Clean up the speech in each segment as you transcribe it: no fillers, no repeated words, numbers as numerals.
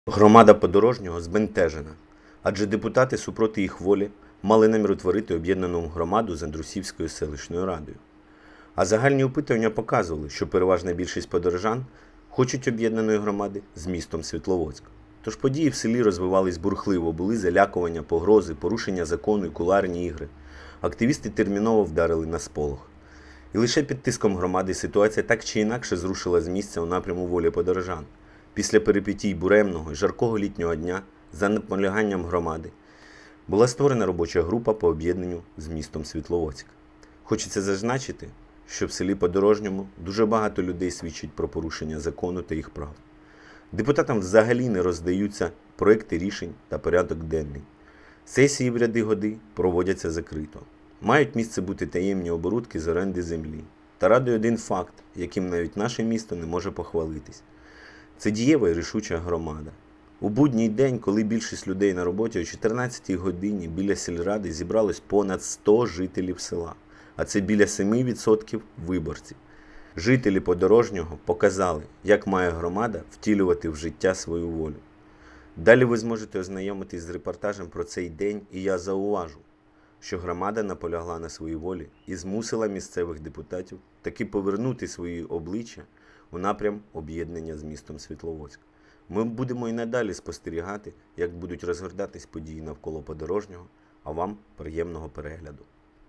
Громада Подорожнього збентежена, адже депутати супроти їх волі мали намір утворити об'єднану громаду з Андрусівською селищною радою. А загальні опитування показували, що переважна більшість подорожан хочуть об'єднаної громади з містом Світловодськ. Тож події в селі розвивались бурхливо, були залякування, погрози, порушення закону і кулуарні ігри. Активісти терміново вдарили на сполох. І лише під тиском громади ситуація так чи інакше зрушила з місця у напряму волі подорожан. Після перипетій буремного і жаркого літнього дня, за наполяганням громади, була створена робоча група по об'єднанню з містом Світловодськ. Хочеться зазначити, що в селі Подорожньому дуже багато людей свідчить про порушення закону та їх прав. Депутатам взагалі не роздаються проекти рішень та порядок денний. Сесії в ряди годи проводяться закрито. Мають місце бути таємні оборудки з оренди землі. Та радує один факт, яким навіть наше місто не може похвалитись. Це дієва і рішуча громада. У будній день, коли більшість людей на роботі, о 14-й годині біля сільради зібралось понад 100 жителів села, а це біля 7% виборців. Жителі Подорожнього показали, як має громада втілювати в життя свою волю. Далі ви зможете ознайомитись з репортажем про цей день, і я зауважу, що громада наполягла на своїй волі і змусила місцевих депутатів таки повернути свої обличчя у напрям об'єднання з містом Світловодськ. Ми будемо і надалі спостерігати, як будуть розгортатись події навколо Подорожнього, а вам приємного перегляду.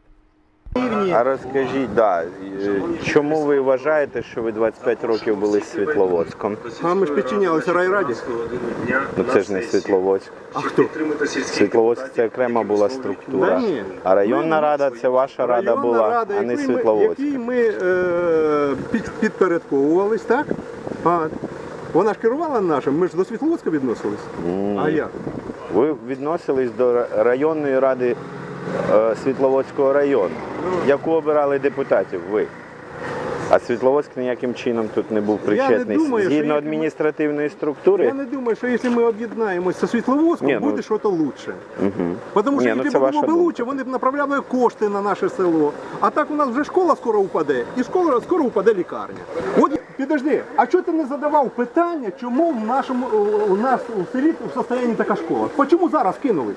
А розкажіть, чому ви вважаєте, що ви 25 років були з Світловодськом? А ми ж підчинялися райраді. Ну це ж не Світловодськ. А хто? Світловодськ це окрема була структура. Да ні. А районна рада це ваша рада була, а не Світловодськ. Якій ми підпорядковувались, так? Вона ж керувала нашим, ми ж до Світловодська відносились. А як? Ви відносились до районної ради Світловодського району, яку обирали депутатів ви. А Світловодськ ніяким чином тут не був причетний. Згідно адміністративної структури. Я не думаю, що якщо ми об'єднаємося зі Світловодськом, буде щось краще. Тому що якщо б було б краще, вони б направляли кошти на наше село. А так у нас вже школа скоро упаде, і скоро упаде лікарня. От, підожди, а чого ти не задавав питання, чому у нас у селі в стані така школа? Чому зараз кинулись?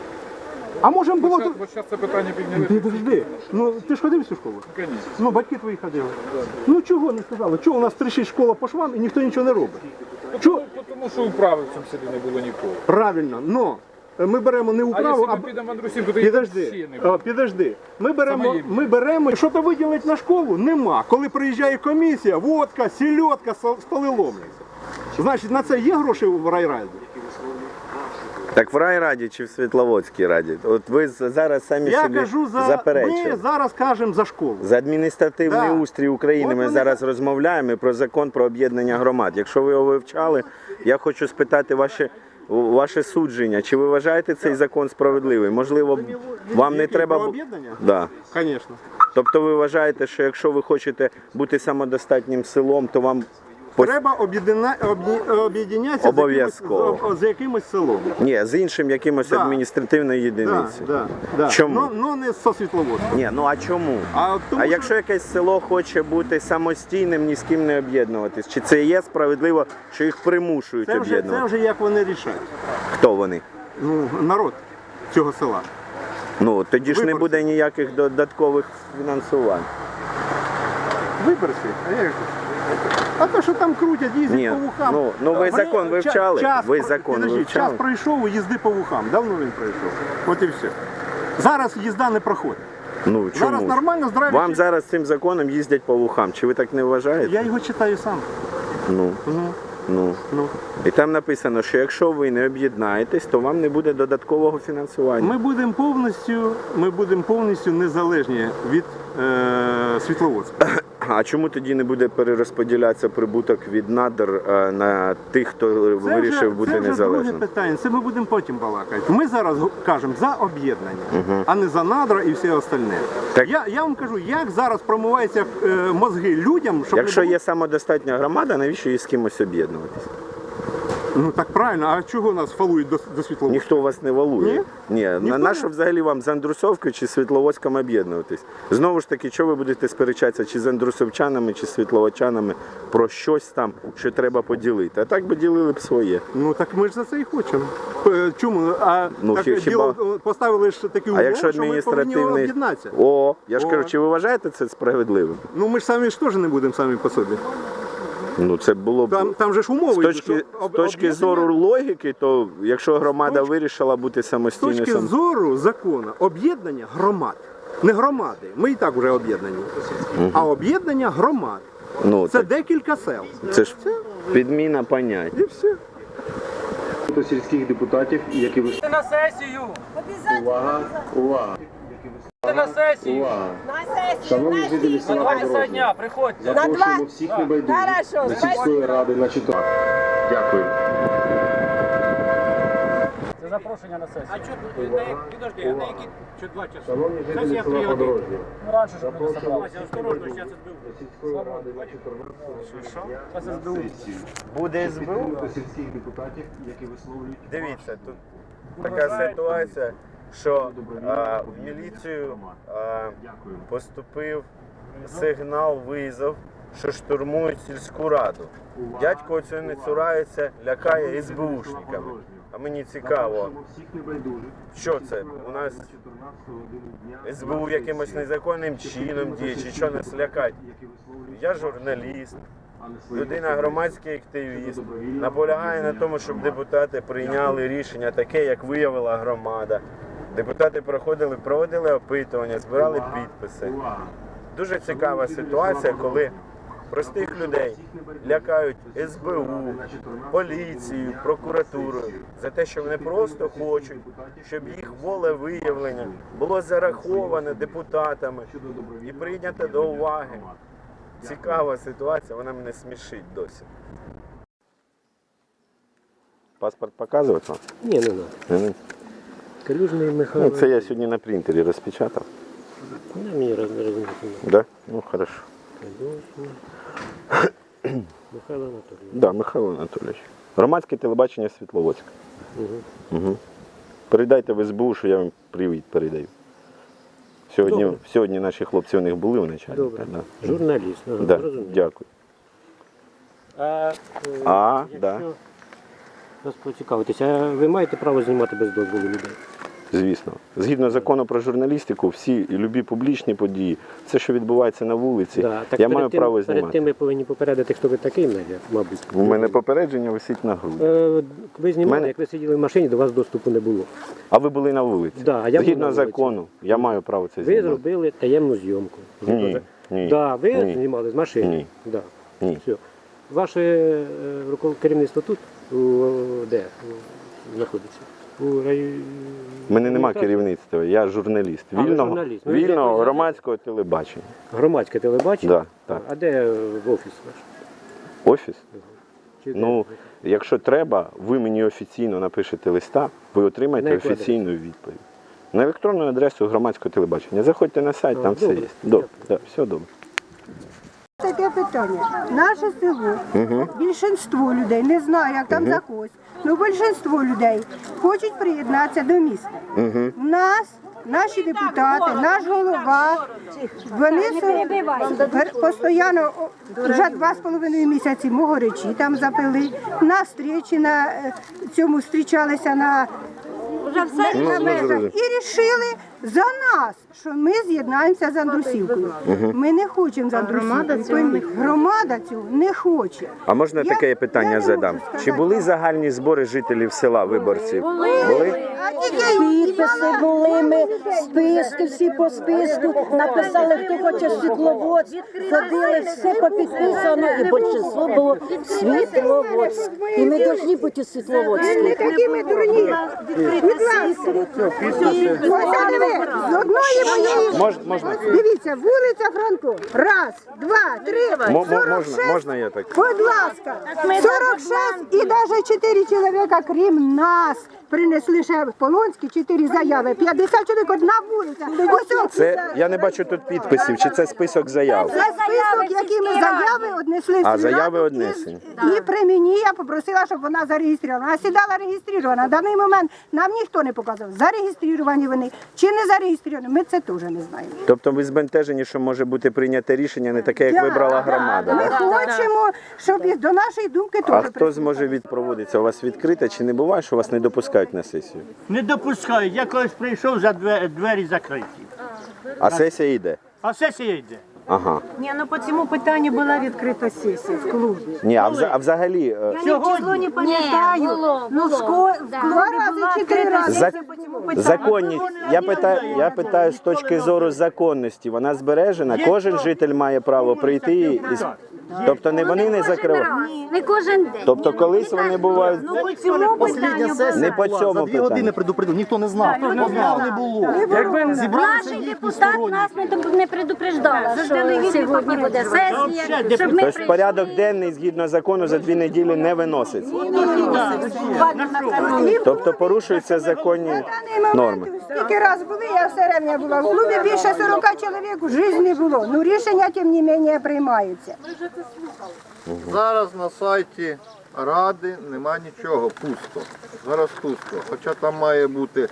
А може було... Ось зараз це питання підняли. Підожди, ти ж ходив в цю школу? Звісно. Батьки твої ходили. Чого не сказали? Чого у нас тріщить школа по швам і ніхто нічого не робить? Тому що управи в цьому селі не було ніколи. Правильно, ми беремо не управу, якщо ми підемо в Андрусівку, то їх взагалі не буде. Підожди. Ми беремо, що-то виділити на школу нема. Коли приїжджає комісія, водка, сільотка, столи ломляться. Значить, на це є гроші в райраді? Так в райраді чи в Світловодській раді? От ви зараз самі собі заперечили. Ми зараз кажемо за школу. За адміністративний устрій України ми зараз розмовляємо про закон про об'єднання громад. Якщо ви його вивчали, я хочу спитати ваше судження. Чи ви вважаєте цей закон справедливий? Можливо, вам не треба... Про об'єднання? Да. Звісно. Тобто ви вважаєте, що якщо ви хочете бути самодостатнім селом, то вам... Треба об'єднатися з якимось селом. Ні, з іншим якимось адміністративною єдиницею. Чому? Ну не зі Світловодськом. Ні, а чому? А якщо якесь село хоче бути самостійним, ні з ким не об'єднуватись, чи це є справедливо, що їх примушують об'єднувати? Це вже як вони рішають. Хто вони? Народ цього села. Тоді ж не буде ніяких додаткових фінансувань. Виборці? А то, що там крутять, їздять по вухам. Ви закон вивчали? Час пройшов, їзди по вухам. Давно він пройшов. От і все. Зараз їзда не проходить. Чому? Зараз нормально, здраві. Вам зараз цим законом їздять по вухам. Чи ви так не вважаєте? Я його читаю сам. І там написано, що якщо ви не об'єднаєтесь, то вам не буде додаткового фінансування. Ми будемо повністю незалежні від Світловодська. А чому тоді не буде перерозподілятися прибуток від надр на тих, хто вирішив бути незалежним? Це вже друге питання, це ми будемо потім балакати. Ми зараз кажемо за об'єднання, а не за надра і все остальне. Я вам кажу, як зараз промиваються мозги людям, щоб... Якщо є самодостатня громада, навіщо їй з кимось об'єднуватися? Ну так правильно, а чого нас фалують до Світловодська? Ніхто вас не валує. Ні, на що взагалі вам з Андрусовкою чи Світловодськом об'єднуватись? Знову ж таки, чого ви будете сперечатися чи з андрусовчанами, чи з світловодчанами про щось там, що треба поділити? А так би ділили б своє. Ну так ми ж за це і хочемо. Чому? Ну, так, хіба- поставили ж такі А умови, якщо що ми повинні адміністративний... об'єднатися. О, я ж О. кажу, чи ви вважаєте це справедливим? Ну ми ж самі ж теж не будемо самі по собі. Ну це було б... Там же ж умови. З точки зору логіки, то якщо громада вирішила бути З самостійною... точки зору закону об'єднання громад. Не громади, ми і так вже об'єднані, а об'єднання громад. Ну, Це так, декілька сел. це ж підміна понять. І все. До сільських депутатів, які виступають. На сесію! Увага, увага, На сесію! увага. На сесію, Шановні жителі на села 2 часа Подорожня, дня, приходьте! запрошуємо всіх небайдужих Хорошо, до сільської ради на четвер. Дякую. Це запрошення на сесію. А чого, підожди, а на які 2 часа? Шановні жителі села Подорожня, Ну, раніше ж ми не собралися. осторожно, зараз до сільської ради на 14 дня на сесію. Буде До сільських депутатів, які висловлюють Дивіться, тут така ситуація, що в міліцію поступив сигнал, визов, що штурмують сільську раду. Дядько цього не цурається, лякає СБУшниками. А мені цікаво, всіх небайдужих. що це? У нас 14 годину дня СБУ якимось незаконним чином діє, чи що нас лякать? які висловлюють Я журналіст, а не свої людина громадський активіст, наполягає на тому, щоб депутати прийняли рішення таке, як виявила громада. Депутати проводили опитування, збирали підписи. увага. Дуже цікава ситуація, коли простих людей лякають СБУ, поліцією, прокуратурою за те, що вони просто хочуть, щоб їх волевиявлення було зараховане депутатами і прийнято до уваги. Цікава ситуація, вона мене смішить досі. Паспорт показувати вам? Ні, не треба. Калюжний Михайло. Ну, це я сьогодні на принтері розпечатав. Не, мені розуміти. Да? Ну, хорошо. Калюжний. Михайло Анатолійович. Да, Михайло Анатолійович. Громадське телебачення Світловодська. Угу. Угу. Передайте в СБУ, що я вам привіт передаю. Сьогодні наші хлопці у них були в начальника. Добре. Да. Журналіст. Ага, Да. зрозумів. Дякую. Якщо да. вас поцікавитися, а ви маєте право знімати без дозволу людей? Звісно. Згідно закону про журналістику, всі і любі публічні події, все, що відбувається на вулиці, Да. Так я перед маю тим, право перед знімати. тим ви повинні попередити, хто ви такий, мабуть. У мене попередження висить на груді. Ви знімали, Мене- як ви сиділи в машині, до вас доступу не було. А ви були на вулиці? Да, а я був Згідно на вулиці. закону, я маю право це Ви знімати. зробили таємну зйомку. Ні, ні, Да, ви ні. знімали з машини? Ні. Да. Ні. Все. Ваше керівництво тут? Де знаходиться? У районі... У мене нема керівництва, я журналіст. А, ви Вільного, журналіст. Ну, вільного як ви громадського телебачення. Громадське телебачення? Да, так. А де офіс ваш? Офіс? Чи де? Ну, якщо треба, ви мені офіційно напишете листа, ви отримаєте На яку офіційну відповідь. На електронну адресу громадського телебачення. Заходьте на сайт, там все добре. є. Добре, да, все добре. Таке питання. Наше село, більшинство людей, не знаю, як там за когось, але більшинство людей хочуть приєднатися до міста. В нас, наші депутати, наш голова, вони постійно, вже 2,5 місяці могоречі там запили, на зустрічі на цьому зустрічалися на межах і рішили за нас, що ми з'єднаємося з Андрусівкою. Ми не хочемо з Андрусівкою. Громада цього не хоче. А можна Я- таке я питання не задам? можу сказати. Чи були загальні збори жителів села, виборців? Були? Підписи були, ми списки, всі по списку, написали, хто хоче Світловодськ, ходили, все попідписано, і більшість було Світловодськ. І ми повинні бути Не Світловодські. такі ми дурні. Будь ласка. Ось диви, з одної моєї. Можна? Дивіться, вулиця Франко. Раз, два, три, Можна, 46. можна я так? Будь ласка, 46 і навіть 4 чоловіка, крім нас, принесли ще в Полонській 4 заяви. 50 чоловік, одна вулиця. Ось Це, я не бачу тут підписів, чи це список заяв? це список, які ми заяви однесли. А, в заяви Раду, однесені. І при мені я попросила, щоб вона зареєстрована. Вона сідала реєстрована. На даний момент нам ніхто не показав, зареєстровані вони чи не зареєстровані. Ми це теж не знаємо. Тобто ви збентежені, що може бути прийняте рішення не таке, як вибрала громада? Ми да? хочемо, щоб і до нашої думки А теж хто зможе відпроводитися? У вас відкрите чи не буває, що вас не допускають на сесію? Не допускають. Я колись прийшов, за двері закриті. А сесія йде? А сесія йде. Ага. Ні, ну по цьому питанню була відкрита сесія в клубі. Ні, а взагалі Я ні число не пам'ятаю. Ну, в клубі була відкрита сесія по цьому питанню. законність. Я питаю з точки зору законності. Вона збережена. Кожен житель має право прийти і тобто не вони не закривають. Не кожен день. Тобто колись вони бувають Ну, по цьому питанню була. не по цьому питанню. предупредив, ніхто не знав. Не було. Наші депутат нас не предупреждала, що сьогодні буде сесія, щоб ми Тобто порядок денний згідно закону за 2 неділі не виноситься. Тобто порушуються законні норми. Скільки раз були, я все рівня була в клубі, більше 40 чоловік в житті не було. Ну рішення, тим не менше, приймаються. Зараз на сайті Ради нема нічого, пусто. Зараз пусто. Хоча там має бути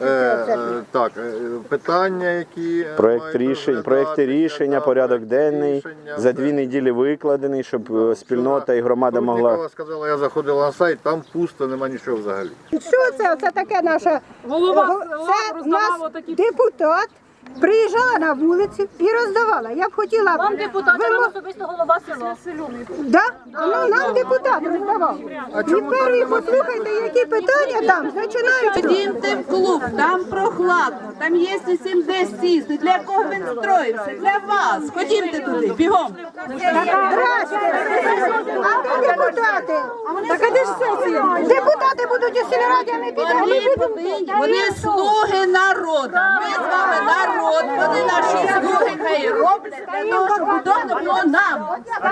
питання, які Проекти рішення, порядок денний за 2 неділі викладений, щоб спільнота і громада могла. Нікола сказала, я заходила на сайт, там пусто, нема нічого взагалі. Що це? Це таке наша... Це наш депутат приїжджала на вулицю і роздавала. Я б хотіла... Вам депутат, а особисто голова села. Да? А нам депутат роздавав. І перші послухайте, які питання там починаються. Ходімте в клуб, там прохладно, там є усім де сісти. Для кого він строївся? Для вас. Ходімте туди, бігом. Здрасте. А де депутати? Так а де ж сесія? Депутати будуть у сільраді, а ми підемо. Вони слуги народу. Ми з вами народ. Вони наші слуги хай роблять для того, щоб удобно було нам.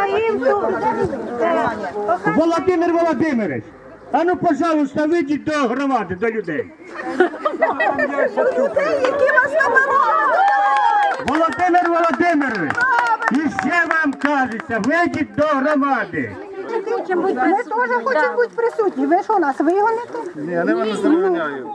Володимир Володимирович, а ну, пожалуйста, вийдіть до громади, до людей. Володимир Володимирович, і ще вам кажеться, вийдіть до громади. Ми теж хочемо бути присутні. Ви що, нас вигоните? Ні, я не заганяю.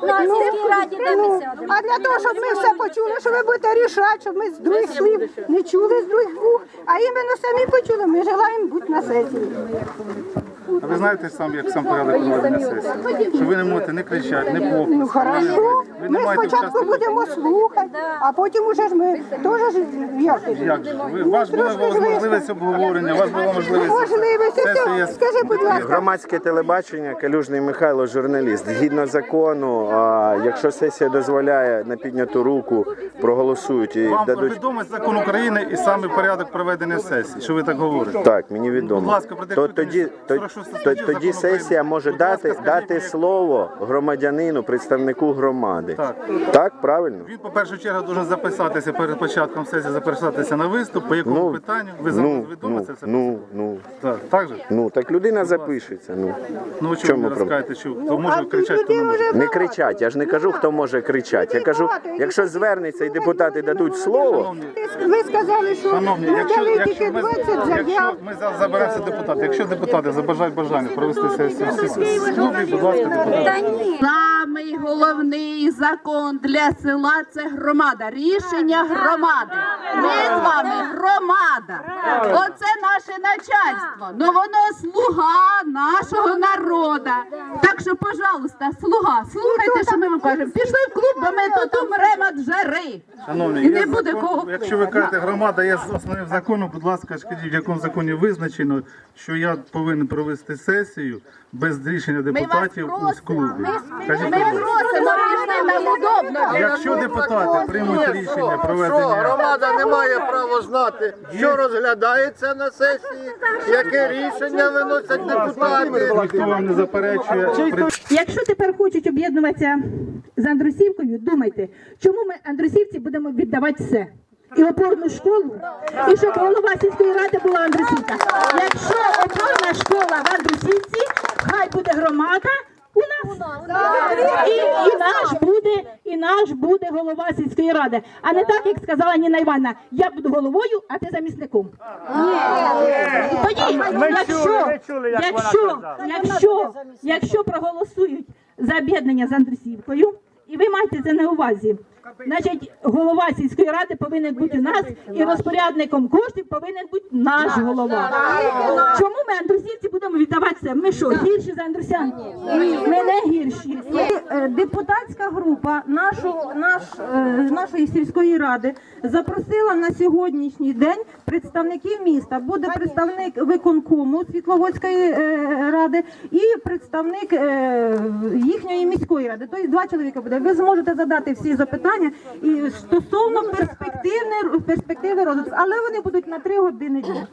А для того, щоб ми все почули, що ви будете рішати, щоб ми з других слів не чули з других вух, а іменно самі почули, ми желаємо бути на сесії. А ви знаєте як сам порядок проведення сесії? Що ви не можете не кричати, не плохо. Ну хорошо, ми спочатку будемо слухати, а потім уже ж ми теж Як же? У вас була можливість обговорення, у вас була можливість сесії. Скажи, будь ласка. Громадське телебачення, Калюжний Михайло, журналіст. Згідно закону, якщо сесія дозволяє на підняту руку, проголосують і Вам дадуть... відомий закон України і саме порядок проведення сесії, що ви так говорите? Так, мені відомо. Будь ласка, Тоді сесія може дати слово громадянину, представнику громади. Так, правильно? Він, по першу чергу, дуже записатися перед початком сесії, записатися на виступ, по якому питанню. Ви зараз відомо це все? Так же? Ну, так людина запишеться. Ну, чому ви розкажете, що хто може кричати, хто не може? Не кричать, я ж не кажу, хто може кричати. Я кажу, якщо звернеться і депутати дадуть слово... Ви сказали, що Шановні, надали тільки 20 заяв. ми зараз заберемося депутати, якщо депутати забажають бажання провести сесію в клубі, будь ласка, депутати. Самий головний закон для села – це громада. Рішення громади. Ми з вами громада. Оце наше начальство. Ну воно слуга нашого народу. Так що, пожалуйста, слуга, слухайте, що ми вам кажемо. Пішли в клуб, бо ми тут умремо від жари. Шановні, І не буде кого. якщо ви кажете, громада є основним законом, будь ласка, скажіть, в якому законі визначено, що я повинен провести сесію без рішення депутатів з клубу. Скажіть, будь ласка. Просимо, нам удобно. Якщо депутати приймуть рішення проведення... Громада не має права знати, що розглядається на сесії, яке рішення виносять депутати. Ніхто вам не заперечує. Якщо тепер хочуть об'єднуватися з Андрусівкою, думайте, чому ми, Андрусівці, будемо віддавати все? І опорну школу, і щоб голова сільської ради була Андрусівка. Якщо опорна школа в Андрусівці, хай буде громада у нас. І наш буде голова сільської ради. А не так, як сказала Ніна Івановна, я буду головою, а ти замісником. Тоді, якщо проголосують за об'єднання з Андрусівкою, і ви маєте це на увазі, значить, голова сільської ради повинен бути у нас, і розпорядником коштів повинен бути наш голова. Чому ми, андрусівці, будемо віддавати це? Ми що, гірші за андрусян? Ми не гірші. Депутатська група нашої сільської ради запросила на сьогоднішній день представників міста. Буде представник виконкому Світловодської ради і представник їхньої міської ради. Тобто 2 чоловіка буде. Ви зможете задати всі запитання і стосовно перспективи розвитку, але вони будуть на 3 години дня.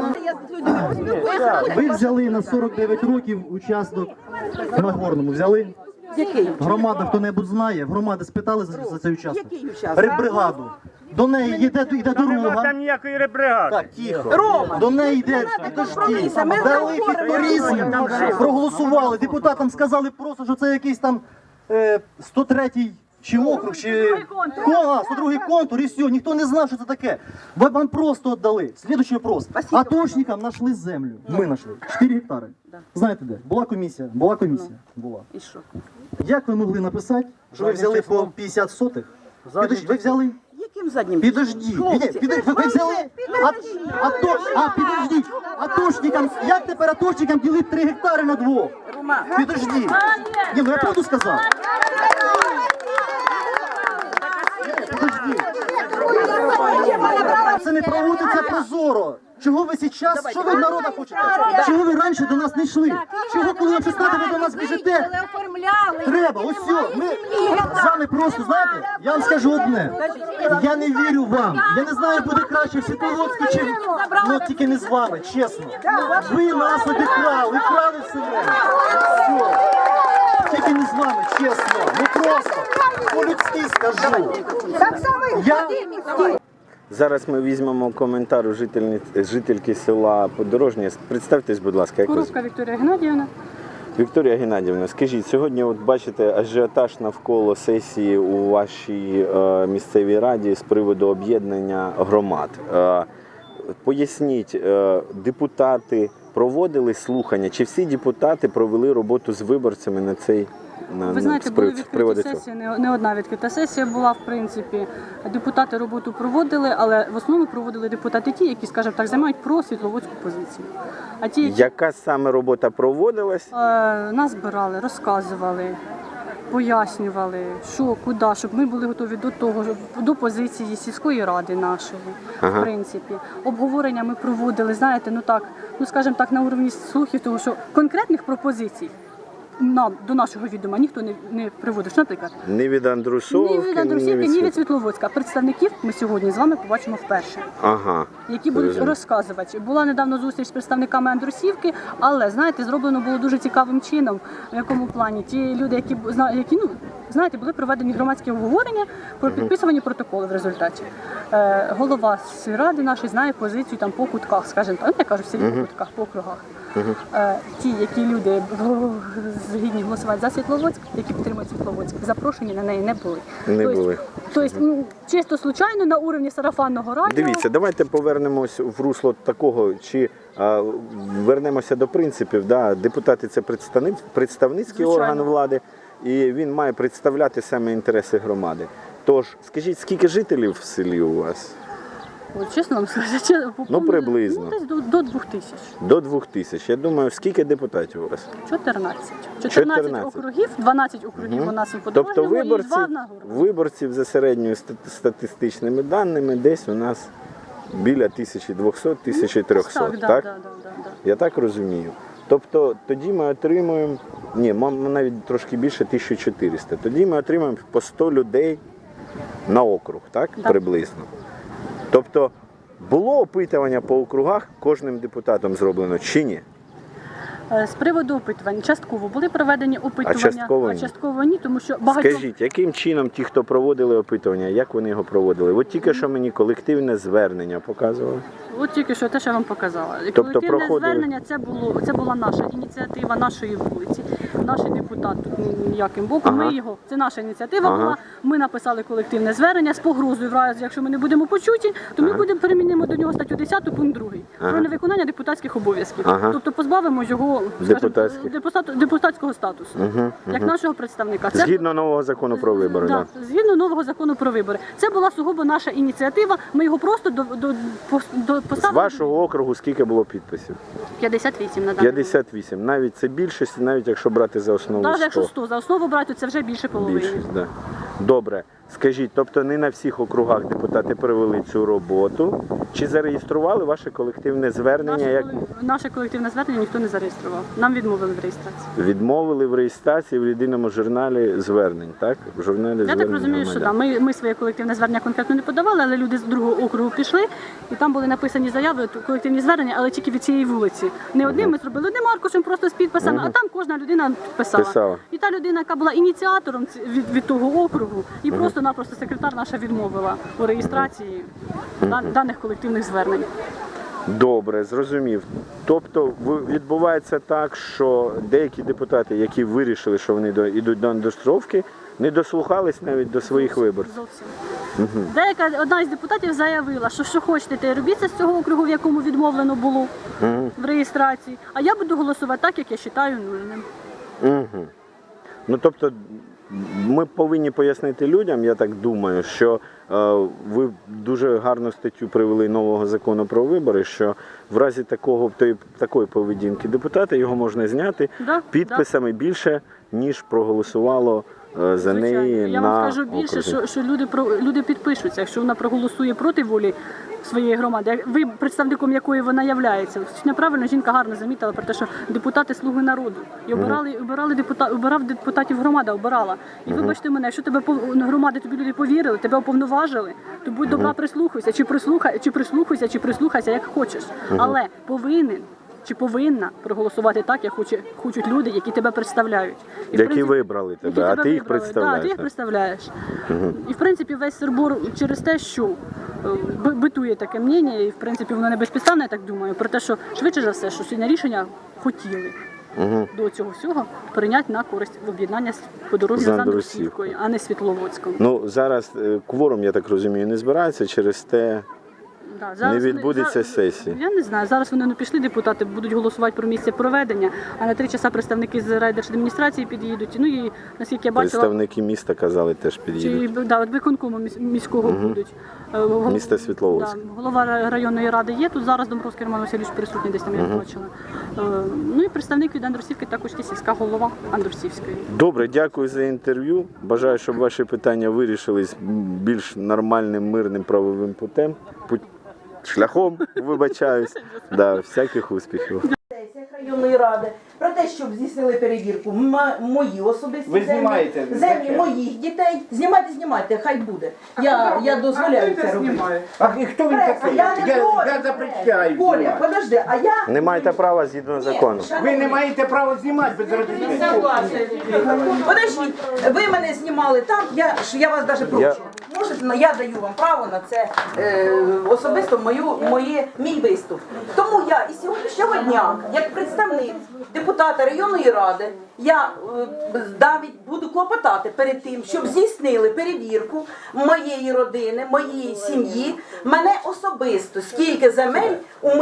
Ви взяли на 49 років участок на Горному. Взяли? Який? Громада хто-небудь знає? Громади спитали за цей участок? Який участок? Риббригаду. До неї йде дорога. Там ніякої риббригади. Так, тихо. До неї йде підожди. Дали підторізм, проголосували. Депутатам сказали просто, що це якийсь там 103-й чи округ, чи 102-й контур, і все. Ніхто не знав, що це таке. Вам просто віддали. Слідуючий вопрос. Атошникам знайшли землю. Ми знайшли. 4 гектари. Знаєте де? Була комісія. Була. І що? Як ви могли написати, що ви взяли по 50 сотих? Підожди, ви взяли? Яким заднім? Підожди, ви взяли? Підождіть, атошникам, як тепер атошникам ділити 3 гектари на 2? Підожди. Ні, ну я правду сказав. Підожди. Це не проводиться прозоро. Чого ви зараз, що ви в народа хочете? Чого ви раніше до нас не йшли? Чого, коли вам 16 ви до нас біжите? Треба, ось все. Ми з вами просто, знаєте, я вам скажу одне. Я не вірю вам. Я не знаю, буде краще в Світловодську, чи... Ну, тільки не з вами, чесно. Ви нас обікрали, вкрали все. Все. Тільки не з вами, чесно. Ну просто, по-людськи скажу. Зараз ми візьмемо коментар у жительки села Подорожнє. Представтесь, будь ласка, як Куровська Вікторія Геннадіївна. Вікторія Геннадіївна, скажіть, сьогодні от бачите ажіотаж навколо сесії у вашій місцевій раді з приводу об'єднання громад. Поясніть, депутати проводили слухання, чи всі депутати провели роботу з виборцями на цей Ви знаєте, були відкриті сесії, не одна відкрита сесія була, в принципі. Депутати роботу проводили, але в основному проводили депутати ті, які, скажімо так, займають просвітловодську позицію. А ті, які... Яка саме робота проводилась? Нас збирали, розказували, пояснювали, що, куди, щоб ми були готові до того, до позиції сільської ради нашої, в принципі. Обговорення ми проводили, знаєте, скажімо так, на уровні слухів, того, що конкретних пропозицій нам, до нашого відома, ніхто не приводив. Наприклад, ні від Андрусівки, ні від Світловодська. Представників ми сьогодні з вами побачимо вперше, які будуть розказувати. Була недавно зустріч з представниками Андрусівки, але, знаєте, зроблено було дуже цікавим чином, в якому плані. Ті люди, які знаєте, були проведені громадські обговорення про підписувані протоколи в результаті. Голова сільради нашої знає позицію там по кутках, скажімо так, я кажу, в селі по кутках, по округах. Ті, які люди згідні голосувати за Світловодськ, які підтримують Світловодськ, запрошені на неї не були. Тобто, чисто случайно на уровні сарафанного радіо. Дивіться, давайте повернемось в русло такого, чи вернемося до принципів. Да? Депутати – це представницький орган влади, і він має представляти саме інтереси громади. Тож, скажіть, скільки жителів в селі у вас? Чесно вам сказати, приблизно. Десь до 2000. До 2000. Я думаю, скільки депутатів у вас? 14. 14 округів, 12 округів у нас у Подорожньому і 2 на Горбу. Виборців за середньою статистичними даними десь у нас біля 1200-1300, так? Я так розумію. Тобто тоді ми отримуємо, навіть трошки більше 1400. Тоді ми отримуємо по 100 людей на округ, так? Приблизно. Тобто було опитування по округах кожним депутатом зроблено чи ні? З приводу опитувань, частково були проведені опитування, а частково ні, тому що багато... Скажіть, яким чином ті, хто проводили опитування, як вони його проводили? От тільки що мені колективне звернення показували. От тільки що те, що я вам показала. Тобто Колективне звернення, це була наша ініціатива, нашої вулиці. наш депутат тут ніяким боком. Ми його, це наша ініціатива була. Ми написали колективне звернення з погрозою, в разі, якщо ми не будемо почуті, то ми будемо перемінимо до нього статтю 10 пункт 2 про невиконання депутатських обов'язків. Тобто позбавимо його депутатського статусу, як нашого представника. Згідно нового закону про вибори. Так, згідно нового закону про вибори. Це була сугубо наша ініціатива. Ми його просто поставили. З вашого округу скільки було підписів? 58 на даний момент. 58. Навіть це більшість, навіть якщо брати за основу 100. Навіть якщо 100 за основу брати, це вже більше половини. Більшість, да. Добре. Скажіть, тобто не на всіх округах депутати провели цю роботу? Чи зареєстрували ваше колективне звернення? Наше колективне звернення ніхто не зареєстрував. Нам відмовили в реєстрації. Відмовили в реєстрації в єдиному журналі звернень, так? В журналі Я звернень так розумію, що громадян. да. Ми своє колективне звернення конкретно не подавали, але люди з другого округу пішли, і там були написані заяви, колективні звернення, але тільки від цієї вулиці. Не одним ми зробили одним аркушем, просто з підписами, а там кожна людина писала. І та людина, яка була ініціатором від того округу, і просто-напросто секретар наша відмовила у реєстрації даних колективних звернень. Добре, зрозумів. Тобто відбувається так, що деякі депутати, які вирішили, що вони йдуть до Андрусовки, не дослухались навіть до своїх виборців. Зовсім. Деяка одна із депутатів заявила, що хочете, те й робіться з цього округу, в якому відмовлено було в реєстрації, а я буду голосувати так, як я вважаю нульним. Ну, тобто, ми повинні пояснити людям, я так думаю, що ви дуже гарну статтю привели нового закону про вибори, що в разі такої поведінки депутата його можна зняти підписами більше, ніж проголосувало за неї. Я вам скажу більше, що люди підпишуться, якщо вона проголосує проти волі своєї громади, ви представником якої вона являється. Неправильно жінка гарно замітила про те, що депутати слуги народу. І обирав депутатів громада, обирала. І вибачте мене, якщо тебе громади, тобі люди повірили, тебе уповноважили, то будь добра, прислухайся, чи прислухайся, як хочеш. Але повинен чи повинна проголосувати так, як хочуть люди, які тебе представляють. Які вибрали тебе, а ти їх представляєш. Так, ти їх представляєш. І в принципі весь Сирбор через те, що битує таке мнення, і в принципі воно не безпідставне, я так думаю, про те, що швидше за все, що сьогодні рішення хотіли до цього всього прийняти на користь в об'єднання по дорозі з Андрусівкою, а не Світловодськом. Ну, зараз кворум, я так розумію, не збирається, через те не відбудеться сесії. Я не знаю, зараз вони не пішли, депутати будуть голосувати про місце проведення, а на 3 часа представники з райдержадміністрації під'їдуть. Ну і наскільки я бачила... Представники міста, казали, теж під'їдуть. Так, виконкому міського будуть. Місто Світловодськ. Голова районної ради є, тут зараз Домбровський Роман Васильович присутній, десь там я бачила. Ну і представник від Андрусівки також є сільська голова Андрусівської. Добре, дякую за інтерв'ю. Бажаю, щоб ваші питання вирішились більш нормальним, мирним правовим шляхом, вибачаюсь. Всяких успіхів. Районної ради про те, щоб здійснили перевірку мої особисті землі моїх дітей. Знімайте, хай буде. Я дозволяю це робити. А хто він такий? Я запрещаю. Коля, подожди, а я... Не маєте права згідно закону. Ви не маєте права знімати без розрішення. Подождіть, ви мене знімали там, я вас навіть прошу. Можете, я даю вам право на це особисто мій виступ. Тому я і сьогоднішнього дня, як представник депутата районної ради, я навіть буду клопотати перед тим, щоб здійснили перевірку моєї родини, моєї сім'ї, мене особисто, скільки земель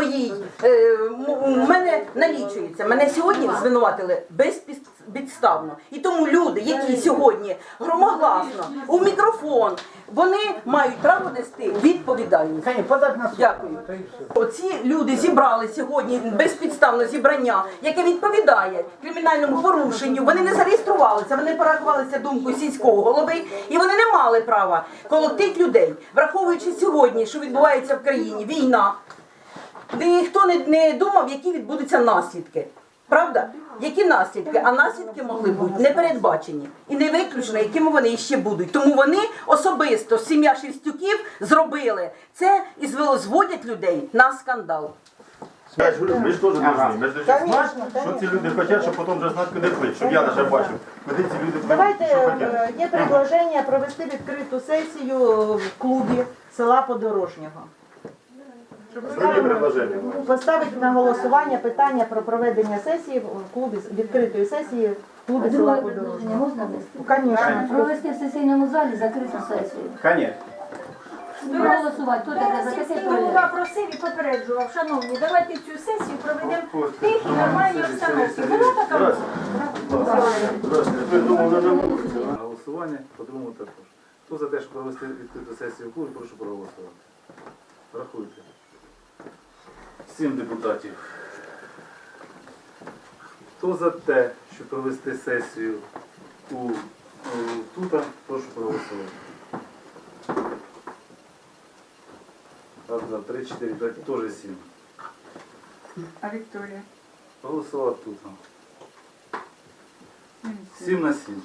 у мене налічується. Мене сьогодні звинуватили безпідставно. І тому люди, які сьогодні громогласно у мікрофон, вони мають право нести відповідальність. Дякую. Оці люди зібрали сьогодні безпідставне зібрання, яке відповідає кримінальному порушенню. Вони не зареєструвалися, вони порахувалися думкою сільського голови, і вони не мали права колотити людей. Враховуючи сьогодні, що відбувається в країні, війна, ніхто не думав, які відбудуться наслідки. Правда? Які наслідки? А наслідки могли бути непередбачені. І не виключно, якими вони ще будуть. Тому вони особисто, сім'я Шевстюків, зробили це і зводять людей на скандал. Ви ж теж повинні знати, що ці люди хочуть, щоб потім вже знати, куди плить, щоб я навіть бачив, куди ці люди Давайте, є предложення провести відкриту сесію в клубі села Подорожнього. Поставити на голосування питання про проведення сесії в клубі, відкритої сесії клубі села Подорожнього. Можна внести? Конечно. Провести в сесійному залі закриту сесію. Конечно. Проголосувати. Хто таке за таке Сільський прийде? голова просив і попереджував, шановні, давайте цю сесію проведемо в тихій, нормальній обстановці. Була така На голосування, по-другому також. Хто за те, щоб провести відкриту сесію в клубі, прошу проголосувати. Рахуйте. 7 депутатів. Хто за те, щоб провести сесію тут, прошу проголосувати. Раз, два, 3, 4, 5, теж 7. А Вікторія? Проголосувати тут. 7 на 7.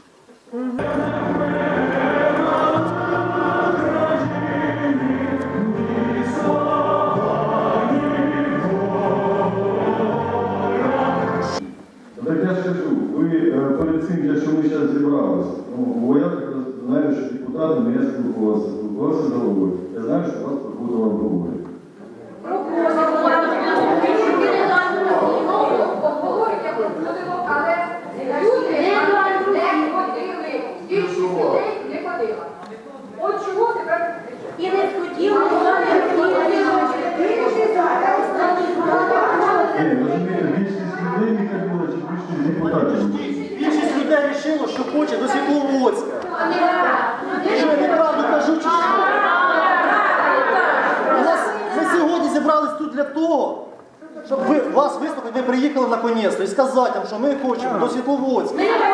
Так я ж кажу, ви перед цим, якщо ми зараз зібралися, бо я так знаю, що депутатами я спілкувався з головою. Я знаю, що вас проходило обговорення. От чого тепер і не хотіли, Розумієте, більшість людей не ходила, чи більшість депутатів? Більшість людей вирішило, що хоче до Світловодська. Що я неправду кажу, чи що? Ми сьогодні зібрались тут для того, щоб вас вислухати, ви приїхали наконець і сказати вам, що ми хочемо до Світловодська.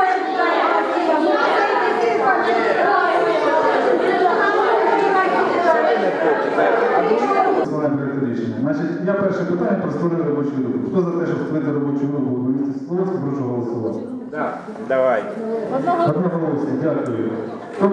Значить, я перше питання про створення робочої групи. Хто за те, щоб створити робочу групу в місті Світловодську, прошу голосувати. Так, давай. Одноголосно, дякую.